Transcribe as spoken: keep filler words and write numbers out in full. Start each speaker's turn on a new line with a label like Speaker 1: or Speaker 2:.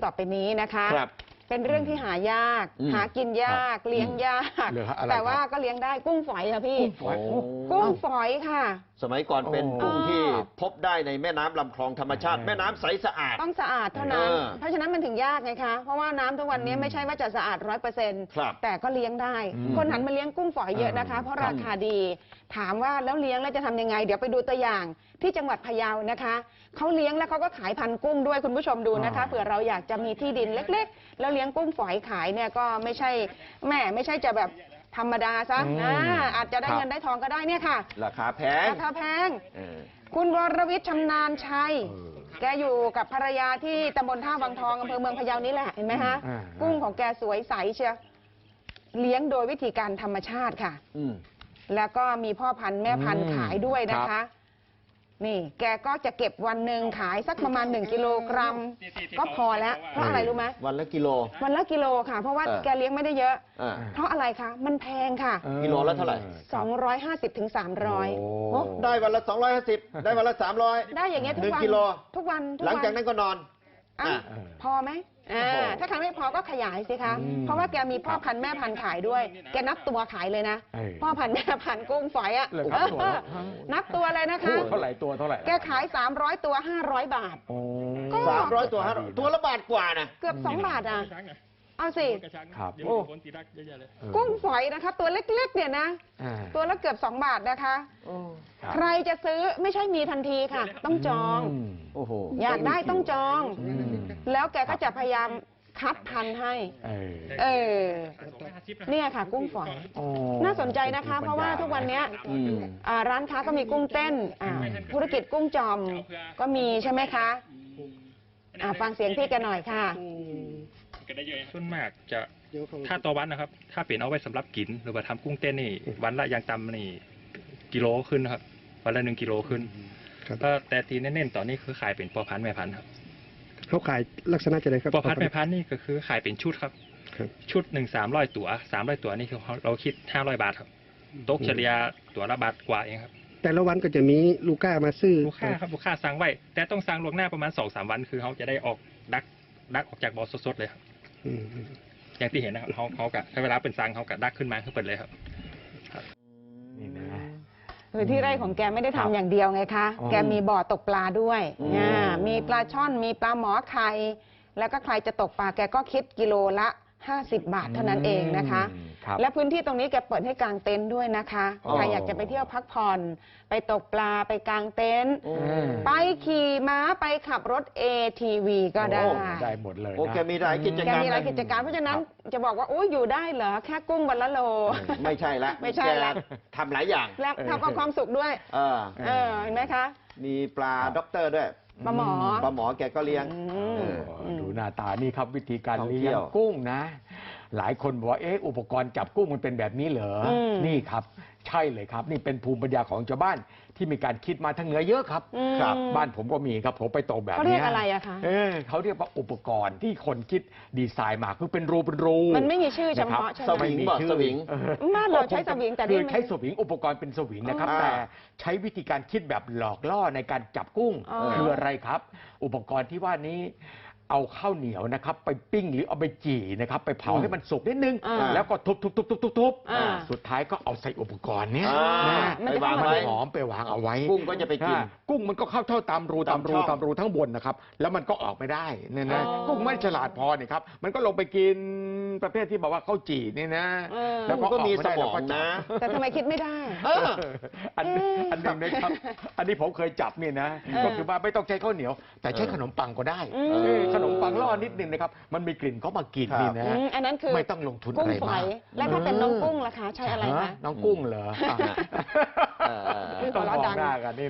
Speaker 1: ต่อไปนี้นะคะ
Speaker 2: ครับ
Speaker 1: เป็นเรื่องที่หายาก หากินยากเลี้ยงยากแต่ว่าก็เลี้ยงได้กุ้งฝอยค่ะพี่กุ้งฝอยค่ะ
Speaker 2: สมัยก่อนเป็นกุ้งที่พบได้ในแม่น้ำลำคลองธรรมชาติแม่น้ำใสสะอาด
Speaker 1: ต้องสะอาดเท่านั้นเพราะฉะนั้นมันถึงยากไงคะเพราะว่าน้ำทุกวันนี้ไม่ใช่ว่าจะสะอาดร้อยเปอร์เซ็นต์แต่ก็เลี้ยงได้คนหันมาเลี้ยงกุ้งฝอยเยอะนะคะเพราะราคาดีถามว่าแล้วเลี้ยงแล้วจะทำยังไงเดี๋ยวไปดูตัวอย่างที่จังหวัดพะเยานะคะเขาเลี้ยงแล้วเขาก็ขายพันธุ์กุ้งด้วยคุณผู้ชมดูนะคะเผื่อเราอยากจะมีที่ดินเล็กๆแล้วเลี้ยงกุ้งฝอยขายเนี่ยก็ไม่ใช่แม่ไม่ใช่จะแบบธรรมดาซะอาจจะได้เงินได้ทองก็ได้เนี่ยค่ะ
Speaker 2: ราคาแพง
Speaker 1: ราคาแพงคุณวรวิทย์ชำนาญชัยแกอยู่กับภรรยาที่ตำบลท่าวังทองอำเภอเมืองพะเยานี่แหละเห็นไหมฮะกุ้งของแกสวยใสเชียวเลี้ยงโดยวิธีการธรรมชาติค่ะแล้วก็มีพ่อพันธุ์แม่พันธุ์ขายด้วยนะคะนี่แกก็จะเก็บวันหนึ่งขายสักประมาณหนึ่งกิโลกรัมก็พอแล้วเพราะอะไรรู้ไหม
Speaker 2: วันละกิโล
Speaker 1: วันละกิโลค่ะเพราะว่าแกเลี้ยงไม่ได้เยอะเพราะอะไรคะมันแพงค่ะ
Speaker 2: กิโลละเท่าไหร่
Speaker 1: สองร้อยห้าสิบถึงสามร้อย
Speaker 2: ได้วันละสองร้อยห้าสิบได้วันละสามร้อย
Speaker 1: ได้อย่างเงี้ยทุกวันทุกวัน
Speaker 2: หลังจากนั้นก็นอน
Speaker 1: พอไหมถ้าครั้งไม่พอก็ขยายสิคะเพราะว่าแกมีพ่อพันธุ์แม่พันธุ์ขายด้วยแกนับตัวขายเลยนะพ่อพันธุ์แม่พันธุ์กุ้งฝอยอ่ะนับตัวเลยนะคะ
Speaker 3: เท่าไหร่ตัวเท่าไหร่
Speaker 1: แกขายสามร้อยตัวห้าร้อยบาท
Speaker 2: สามร้อยตัวตัวละบาทกว่านะ
Speaker 1: เกือบสองบาทอ่ะเอาสิ
Speaker 3: ครับ
Speaker 1: กุ้งฝอยนะคะตัวเล็กๆเนี่ยนะตัวละเกือบสองบาทนะคะใครจะซื้อไม่ใช่มีทันทีค่ะต้องจอง
Speaker 2: โอ้โห
Speaker 1: อยากได้ต้องจองแล้วแกก็จะพยายามคัดพันธุ์ให้เออเนี่ยค่ะกุ้งฝอยน่าสนใจนะคะเพราะว่าทุกวันนี้ร้านค้าก็มีกุ้งเต้นธุรกิจกุ้งจอมก็มีใช่ไหมคะฟังเสียงพี่แกหน่อยค่ะ
Speaker 4: ส่วนมากจะถ้าต่อวันนะครับถ้าเปลี่ยนเอาไว้สำหรับกินหรือว่าทำกุ้งเต้นนี่วันละอย่างต่ำนี่กิโลขึ้นนะครับวันละหนึ่งกิโลขึ้นแต่ทีเน้นๆตอนนี้คือขายเป็นพ่อพันธุ์แม่พันธุ์ครับ
Speaker 5: เขาขายลักษณะจะไดครับ
Speaker 4: พ่อพันธุ์แม่พันธุ์นี่ก็คือขายเป็นชุดครับชุดหนึ่งสามร้อยตัวสามร้อยตัวนี่คือเราคิดห้าร้อยบาทครับตกเฉลี่ยตัวละบาทกว่าเองครับ
Speaker 5: แต่ละวันก็จะมีลูกค้ามาซื้อ
Speaker 4: ลูกค้าครับลูกค้าสั่งไว้แต่ต้องสั่งล่วงหน้าประมาณสองสามวันคือเขาจะได้ออกดักดักออกจากบ่อสดๆเลยครับอย่างที่เห็นนะครับเขาเขากะใช้เวลาเป็นซังเขากะดักขึ้นมาขึ้นเปิดเลยครับ
Speaker 1: นี่นะคือที่ไร่ของแกไม่ได้ทำอย่างเดียวไงคะแกมีบ่อตกปลาด้วยมีปลาช่อนมีปลาหมอไข่แล้วก็ใครจะตกปลาแกก็คิดกิโลละห้าสิบบาทเท่านั้นเองนะคะและพื้นที่ตรงนี้แกเปิดให้กางเต็นท์ด้วยนะคะใครอยากจะไปเที่ยวพักผ่อนไปตกปลาไปกางเต็นท์ไปขี่ม้าไปขับรถ เอ ที วี ก็ได้
Speaker 3: ได้หมดเลย
Speaker 2: โอเคมีหลายกิจกรรม
Speaker 1: แกมีหลายกิจการเพราะฉะนั้นจะบอกว่าโอ้ยอยู่ได้เหรอแค่กุ้งวันละโล
Speaker 2: ไม่ใช่ละ
Speaker 1: ไม่ใช่ละ
Speaker 2: ทำหลายอย่าง
Speaker 1: แล้วทำความสุขด้วยเออเห็นไหมคะ
Speaker 2: มีปลาด็อกเตอร์ด้วย
Speaker 1: ปลาหมอ
Speaker 2: ปลาหมอแกก็เลี้ยง
Speaker 3: ดูหน้าตานี่ครับวิธีการเลี้ยงกุ้งนะหลายคนบอกว่าเอ๊ะอุปกรณ์จับกุ้งมันเป็นแบบนี้เหรอนี่ครับใช่เลยครับนี่เป็นภูมิปัญญาของชาวบ้านที่มีการคิดมาทางเหนือเยอะครับครับบ้านผมก็มีครับผมไปตกแบบนี้เขา
Speaker 1: เรียกอะไรอะคะ
Speaker 3: เออเขาเรียกว่าอุปกรณ์ที่คนคิดดีไซน์มาคือเป็นรูเป็นรู
Speaker 1: มันไม่มีชื่อเฉพาะใช่ไหม
Speaker 2: สวิงบอกสวิง
Speaker 1: บ้านเราใช้สวิงแต่
Speaker 3: คือใช้สวิงอุปกรณ์เป็นสวิงนะครับแต่ใช้วิธีการคิดแบบหลอกล่อในการจับกุ้งคืออะไรครับอุปกรณ์ที่ว่านี้เอาข้าวเหนียวนะครับไปปิ้งหรือเอาไปจี่นะครับไปเผาให้มันสุกนิดนึงแล้วก็ทุบทุบทุบทุบทุบทุบสุดท้ายก็เอาใส่อุปกรณ์เนี้ย
Speaker 2: ไปวางไว้
Speaker 3: หอมไปวางเอาไว้
Speaker 2: กุ้งก็จะไปกิน
Speaker 3: กุ้งมันก็เข้าเท่าตามรูตามรูตามรูทั้งบนนะครับแล้วมันก็ออกไม่ได้เนี่ยนะกุ้งไม่ฉลาดพอเนี่ยครับมันก็ลงไปกินประเภทที่บอกว่าข้าวจี่นี่นะ
Speaker 2: แล้วก็มีสมองนะ
Speaker 1: แต่ทำไมคิดไม่ได้
Speaker 3: อันอันหนึ่งนะครับอันนี้ผมเคยจับเนี่ยนะก็คือว่าไม่ต้องใช้ข้าวเหนียวแต่ใช้ขนมปังก็ได้ขนมปังล่อนิดนึงนะครับมันมีกลิ่นเขามากินนี่นะ
Speaker 1: อันนั้นคือ
Speaker 3: ไม่ต้องลงทุนอะไรมาก
Speaker 1: แล้วถ้าเป็นน้องกุ้งล่ะคะใช้อะไรคะ
Speaker 3: น้องกุ้งเหรอต้องมองหน้ากันนี่